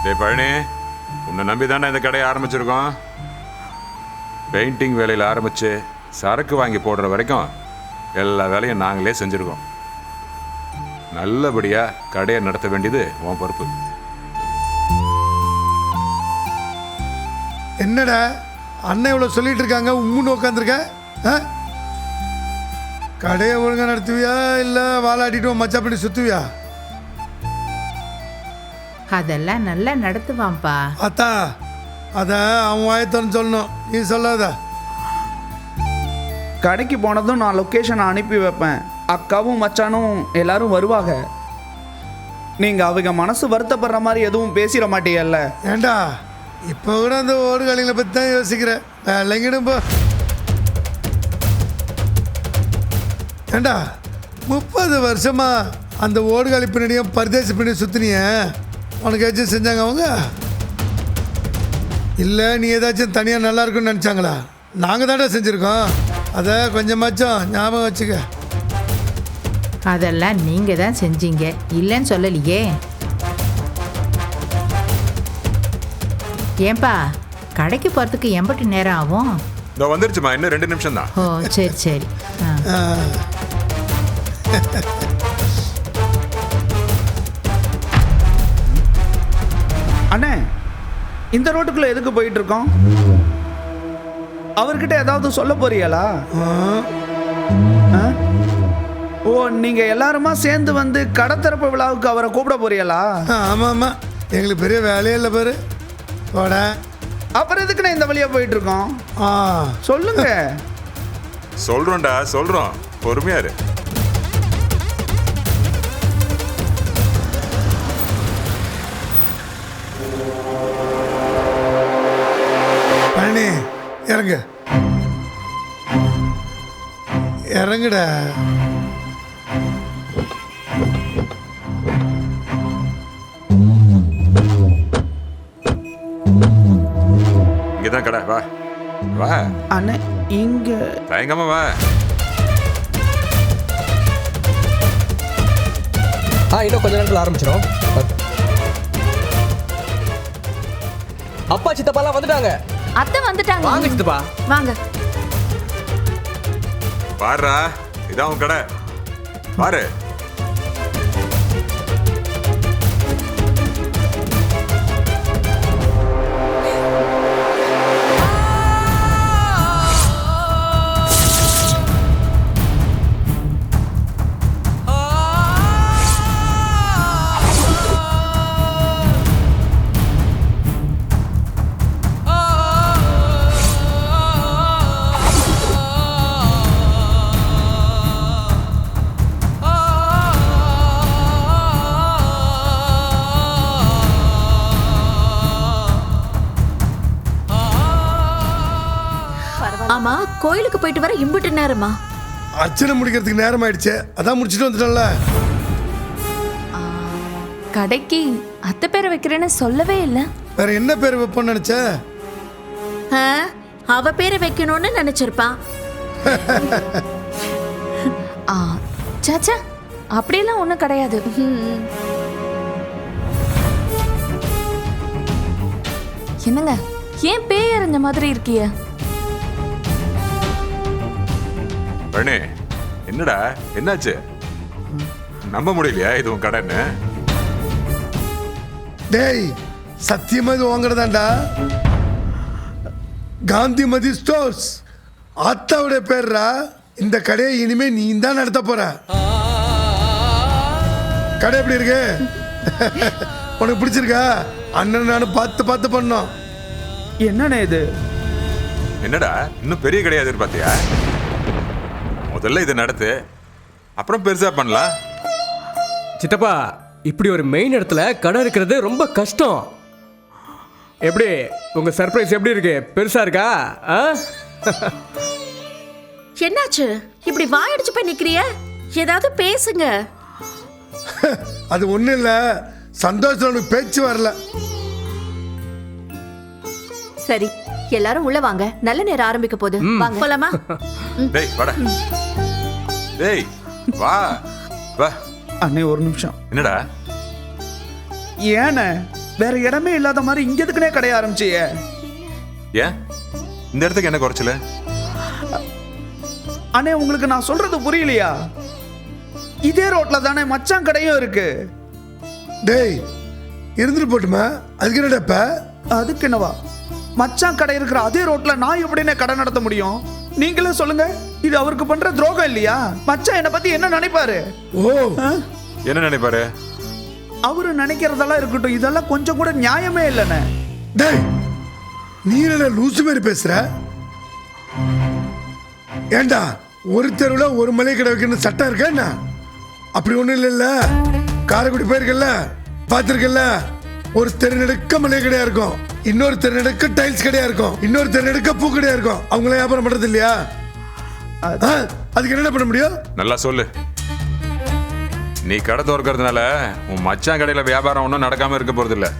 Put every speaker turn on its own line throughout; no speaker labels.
டேய் பழனி, உன்னை நம்பி தானே இந்த கடையை ஆரம்பிச்சிருக்கோம். பெயிண்டிங் வேலையில் ஆரம்பித்து சரக்கு வாங்கி போடுற வரைக்கும் எல்லா வேலையும் நாங்களே செஞ்சுருக்கோம். நல்லபடியாக கடையை நடத்த வேண்டியது உன் பொறுப்பு.
என்னடா அண்ணன் இவ்வளோ சொல்லிட்டு இருக்காங்க, உம்முன்னு உட்காந்துருக்க? கடையை ஒழுங்காக நடத்துவியா இல்லை வாலாட்டிட்டு மச்சா பண்ணி சுற்றுவியா?
அதெல்லாம் நல்லா நடத்துவான்ப்பா.
அத்தா அதை அவன் வாயத்தன்னு சொல்லணும், நீ சொல்லாத.
கடைக்கு போனதும் நான் லொக்கேஷனை அனுப்பி வைப்பேன். அக்காவும் மச்சானும் எல்லாரும் வருவாங்க. நீங்கள் அவங்க மனசு வருத்தப்படுற மாதிரி எதுவும் பேசிட மாட்டீங்கல்ல?
ஏண்டா இப்போ கூட அந்த ஓடுகாலிகளை பற்றி தான் யோசிக்கிறேன். இல்லைங்கிடும் போ. ஏண்டா 30 வருஷமா அந்த ஓடுகாலி பின்னாடியும் பரிதேசி பின்னாடி சுற்றினிய, உனக்கு ஏதாச்சும் செஞ்சாங்க அவங்க? இல்லை நீ ஏதாச்சும் தனியாக நல்லா இருக்குன்னு நினச்சாங்களா? நாங்கள் தானே செஞ்சுருக்கோம். அதை கொஞ்சமாச்சும் ஞாபகம் வச்சுக்க.
அதெல்லாம் நீங்க தான் செஞ்சீங்க, இல்லைன்னு சொல்லலையே. ஏன்பா கடைக்கு போகிறதுக்கு எம்பட்டு நேரம் ஆகும்?
இதோ வந்துருச்சுமா, இன்னும் 2 நிமிஷம் தான்.
ஓ சரி சரி.
அண்ணே, இந்த ரோட்டுக்குள்ளே எதுக்கு போயிட்டு இருக்கோம்? அவர்கிட்ட ஏதாவது சொல்ல போறீங்களா? ஓ, நீங்க எல்லாருமா சேர்ந்து வந்து கடத்திறப்பு விழாவுக்கு அவரை கூப்பிட போறீங்களா?
ஆமாம் ஆமாம், எங்களுக்கு பெரிய வேலையே இல்லை பாரு. போட
அப்புறம் எதுக்கு நான் இந்த வழியா போயிட்டு இருக்கோம்? சொல்லுங்க.
சொல்றோம்டா சொல்றோம், பொறுமையா இரு.
பழனி இறங்கு, இறங்குடா.
இங்கதான் கடை, வா வா.
அண்ணே இங்க
தயங்காம வா.
இன்னும் கொஞ்ச நேரத்தில் ஆரம்பிச்சிடும். அப்பா சித்தப்பாலாம் வந்துட்டாங்க.
அத்தை வந்துட்டாங்க.
வாங்க சித்தப்பா,
வாங்க.
பாருடா, இதான் உன் கடை, பாரு.
ஆமா, கோயிலுக்கு போயிட்டு வர இம்புட்டு நேரமா?
அர்ச்சனை முடிக்கிறதுக்கு நேரம் ஆயிடுச்சு, அதான் முடிச்சுட்டு வந்துட்டோம்ல.
கடைக்கு அத்தை பேரை வைக்கிறேன்னு சொல்லவே இல்லை.
வேற என்ன பேர் வைப்போம்னு நினைச்ச?
அவ பேரை வைக்கணும்னு நினைச்சிருப்பான். சாச்சா, அப்படியெல்லாம் ஒண்ணும் கிடையாது. என்னங்க, ஏன் பேய் அறிஞ்ச மாதிரி இருக்கிய?
பழனி, என்னடா என்னாச்சு? நம்ப முடியலையா இது உன் கடைன்னு?
டேய் சத்தியமா இது வாங்குறதாண்டா. காந்திமதி ஸ்டோர்ஸ் ஆத்தாவுடைய பேர்ரா. இந்த கடையை இனிமே நீ தான் நடத்த போற. கடை எப்படி இருக்கு? உனக்கு பிடிச்சிருக்கா? அண்ணன் நானும் பார்த்து பார்த்து பண்ணோம்.
என்னண்ணே இது?
என்னடா இன்னும் பெரிய கடையா எதிர்பார்த்தியா? முதல்ல இதை நடத்து, அப்புறம் பெருசா பண்ணலாம்.
சித்தப்பா, இப்படி ஒரு மெயின் இடத்துல கடை இருக்கிறது ரொம்ப கஷ்டம். எப்படி உங்க சர்ப்ரைஸ் எப்படி இருக்கு? பெருசா இருக்கா?
என்னாச்சு இப்படி வாயடிச்சு போய் நிக்கிறிய? ஏதாவது பேசுங்க.
அது ஒண்ணும் இல்ல, சந்தோஷம் உனக்கு பேச்சு வரல.
சரி, எல்லாரும் உள்ள வாங்க, நல்ல நேரம் ஆரம்பிக்க போகுது. வாங்க போலாமா?
டேய் வாடா, டேய் வா வா.
அண்ணே ஒரு நிமிஷம்.
என்னடா?
ஏண்ணே வேற இடமே இல்லாத மாதிரி இங்க எதுக்குனே கடைய ஆரம்பிச்சியே?
ஏன் இந்த இடத்துக்கு என்ன குறைச்சல?
அண்ணே உங்களுக்கு நான் சொல்றது புரியலையா? இதே ரோட்ல தானே மச்சான் கடையும் இருக்கு.
டேய் இருந்துட்டு போட்டுமா, அதுக்கு என்னடாப்ப?
அதுக்கு என்னவா? மச்சான் கடை இருக்கிற அதே ரோட்ல நான் எப்படின்னு கடை நடத்த முடியும்? நீங்களே சொல்லுங்க, இது அவருக்கு பண்ற துரோகம் இல்லையா? மச்சான் என்ன பத்தி என்ன நினைப்பாரு?
ஓ
ஆ?
என்ன நினைப்பாரு?
அவரு நினைக்கிறதெல்லாம் இருக்கட்டும், இதெல்லாம் கொஞ்சம் கூட நியாயமே இல்லைண்ணே.
டேய் நீ என்ன லூசு மாதிரி பேசுற? ஏண்டா ஒரு தெருவில் ஒரு மளிகை கடை வைக்கணும் சட்டம் இருக்கா என்ன? அப்படி ஒன்றும் இல்லைல்ல. காரைக்குடி போயிருக்கல, பார்த்துருக்கல. ஒரு தெரு நெடுக்க மளிகை கடையா இருக்கும், இன்னொரு தெரு நெடுக்க டைல்ஸ் கடையா இருக்கும், இன்னொரு தெரு நெடுக்க பூ கடையா இருக்கும். அவங்கள வியாபாரம் பண்றது இல்லையா? அதுக்கு என்ன பண்ண முடியும்?
நல்லா சொல்லு. நீ கடை திறக்கிறதுனால உன் மச்சான் கடையில வியாபாரம் ஒன்றும் நடக்காம இருக்க போறது இல்ல.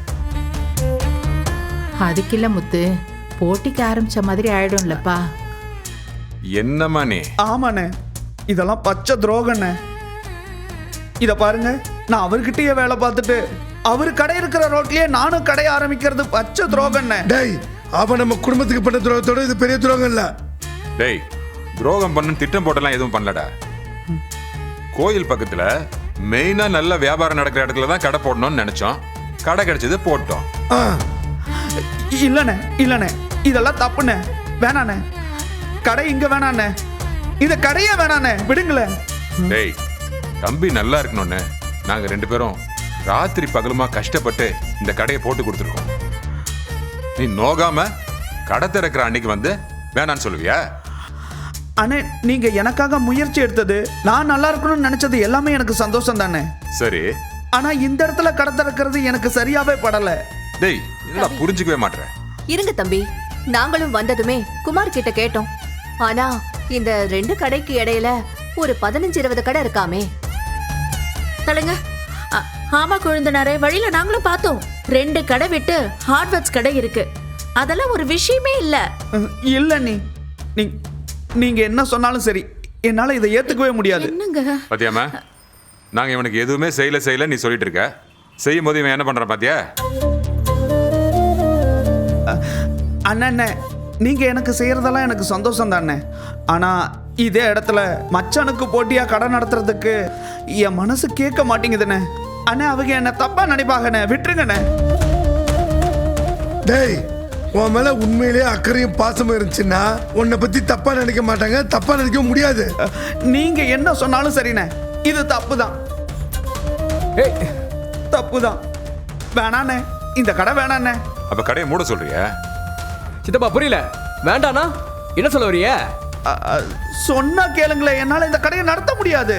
அதுக்கு இல்ல முத்து, போட்டிக்கு ஆரம்பிச்ச மாதிரி ஆயிடும்லப்பா.
என்னம்மா நீ?
ஆமாண்ணே, இதெல்லாம் பச்சை துரோகண்ணே. இத பாருங்க, நான் அவர்கிட்டயே வேலை பார்த்துட்டு அவரு கடை இருக்கிற ரோட்லயே நானும் கடை ஆரம்பிக்கிறது பச்சை துரோகண்ணே.
டேய் அவன் நம்ம குடும்பத்துக்கு பண்ண துரோகத்தோட இது பெரிய துரோகம் இல்ல.
டேய் துரோகம் பண்ணு திட்டம் போட்டெல்லாம் எதுவும் பண்ணலடா. கோயில் பக்கத்துல மெயினா நல்ல வியாபாரம் நடக்கிற இடத்துல தான் கடை போடணும்னு நினைச்சோம். கடை கிடைச்சது, போட்டோம்.
ஆ,
இல்லண்ணே இல்லண்ணே, இதெல்லாம் தப்புண்ணே. வேணாண்ணே, கடை இங்க வேணாண்ணே, இந்த கடையே வேணாண்ணே, விடுங்களேன்.
டேய் தம்பி நல்லா இருக்கணும்னு நாங்க 2 பேரும் ராத்திரி பகலுமா கஷ்டப்பட்டு இந்த கடையை போட்டு கொடுத்துருக்கோம். நீ நோகாம கடை திறக்கிற அன்னைக்கு வந்து வேணான்னு சொல்லுவியா?
அண்ணே, நீங்க எனக்காக முயற்சி எடுத்தது, நான் நல்லா இருக்கணும்னு நினைச்சது எல்லாமே எனக்கு சந்தோஷம் தானே.
சரி.
ஆனா இந்த இடத்துல கடை திறக்கிறது எனக்கு சரியாவே படல.
டேய் என்னடா புரிஞ்சுக்கவே மாட்டேன்.
இருங்க தம்பி, நாங்களும் வந்ததுமே குமார் கிட்ட கேட்டோம். ஆனா இந்த 2 கடைக்கு இடையில ஒரு 15-20 கடை இருக்காமே. தலங்க. ஆமா கொழுந்தனாரே, வழியில நாங்களும் பார்த்தோம். 2 கடை விட்டு ஹார்ட்வேர்ஸ் கடை இருக்கு. அதெல்லாம் ஒரு விஷயமே இல்ல.
இல்ல நீங்க என்ன சொன்னாலும் சரி, என்னால இதை ஏத்துக்கவே முடியாது.
என்னங்க
பாத்தியாமா, நாங்க இவனுக்கு எதுவுமே செய்யல நீ சொல்லிட்டு இருக்க. செய்யும் போது இவன் என்ன பண்றான் பாத்தியா?
அண்ணே, நீங்க எனக்கு செய்யறதெல்லாம் எனக்கு சந்தோஷம் தானே. ஆனா இதே இடத்துல மச்சானுக்கு போட்டியா கடை நடத்துறதுக்கு என் மனசு கேட்க மாட்டேங்குதுண்ணே. அண்ணே, அவங்க என்ன தப்பா நினைப்பாங்கண்ணே, விட்டுருங்கண்ணே.
டேய் உன் மேல உண்மையிலேயே அக்கறையும் பாசமும் இருந்துச்சுன்னா உன்னை பத்தி தப்பா நினைக்க மாட்டாங்க, தப்பா நினைக்க முடியாது.
நீங்க என்ன சொன்னாலும் சரிண்ணே, இது தப்பு தான்,
ஏய்
தப்பு தான். வேணாண்ணே, இந்த கடை வேணாண்ணே.
அப்ப கடையை மூட சொல்றியா?
சித்தப்பா புரியல. வேண்டானா என்ன சொல்ல வரிய?
சொன்னா கேளுங்களேன், என்னால இந்த கடையை நடத்த முடியாது.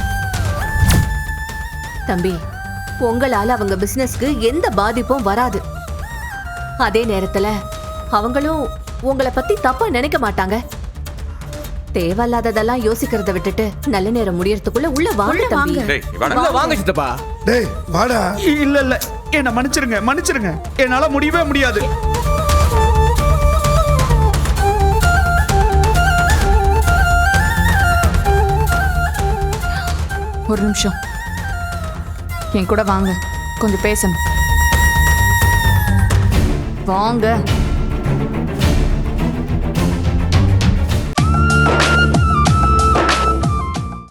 தம்பி, உங்களால அவங்க பிசினஸ்க்கு எந்த பாதிப்பும் வராது. அதே நேரத்துல அவங்களும் உங்களை பத்தி தப்பா நினைக்க மாட்டாங்க. தேவையில்லாததெல்லாம் யோசிக்கிறத விட்டுட்டு நல்ல நேரம் முடியறதுக்குள்ள உள்ள வாங்க தம்பி.
டேய் நீ வாடா.
உள்ள வாங்க சித்தப்பா.
டேய் வாடா.
இல்ல என்ன மன்னிச்சிருங்க, என்னால முடியவே முடியாது.
ஒரு நிமிஷம் என் கூட வாங்க, கொஞ்சம் பேசணும். வாங்க.